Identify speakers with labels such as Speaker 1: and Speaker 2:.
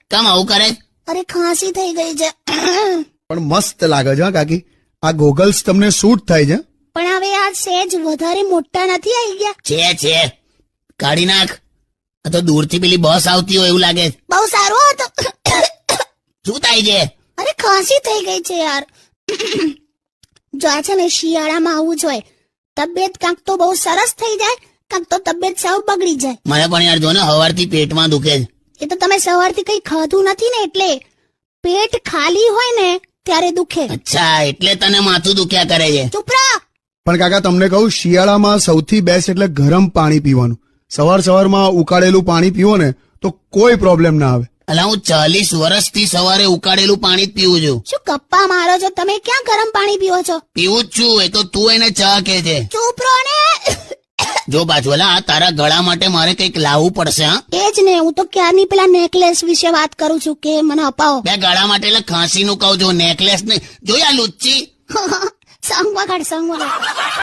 Speaker 1: કેમ આવું કરે?
Speaker 2: અરે ખાંસી થઈ ગઈ છે.
Speaker 3: પણ મસ્ત લાગે છે હા કાકી, આ ગોગલ્સ તમને સૂટ થાય છે.
Speaker 2: પણ હવે આ સેજ વધારે મોટા નથી આવી ગયા?
Speaker 1: છે કાઢી નાખ. આ તો દૂરથી પેલી બસ આવતી હોય એવું લાગે.
Speaker 2: બહુ સારું હતું.
Speaker 1: શું થાય છે?
Speaker 2: અરે ખાંસી થઈ ગઈ છે યાર. જો આ છે ને શિયાળામાં આવું જ હોય, તબિયત કાંક તો બહુ સરસ થઈ જાય, કાંક તો તબિયત સાવ બગડી જાય.
Speaker 1: મને પણ યાર જો ને સવારથી પેટમાં દુખે છે.
Speaker 2: એ તો તમે સવારથી કઈ ખાધું નથી ને એટલે. પેટ ખાલી હોય ને ત્યારે દુખે.
Speaker 1: અચ્છા, એટલે તને માથું દુખ્યા કરે છે.
Speaker 2: ચૂપ રહો.
Speaker 3: પણ કાકા તમને કહું, શિયાળામાં સૌથી બેસ્ટ એટલે ગરમ પાણી પીવાનું. સવારમાં ઉકાળેલું પાણી પીવો ને તો કોઈ પ્રોબ્લેમ ના આવે.
Speaker 1: અલા, હું 40 વર્ષથી સવારે ઉકાળેલું પાણી જ પીવું છું.
Speaker 2: શું ગપ્પા મારો છો તમે? ક્યાં ગરમ પાણી પીવો છો?
Speaker 1: પીવું જ છું. એ તો તું એને ચા કે છે.
Speaker 2: ચૂપ રહો ને.
Speaker 1: જો બાજુલા, તારા ગળા માટે મારે કંઈક લાવવું પડશે. હા,
Speaker 2: એ જ ને, હું તો ક્યારની પેલા નેકલેસ વિશે વાત કરું છું કે મને અપાવો.
Speaker 1: બે ગળા માટે એટલે ખાંસી નું કહું છું, નેકલેસ નહીં. જોયા લુચ્ચી.
Speaker 2: સંગ વગાડ.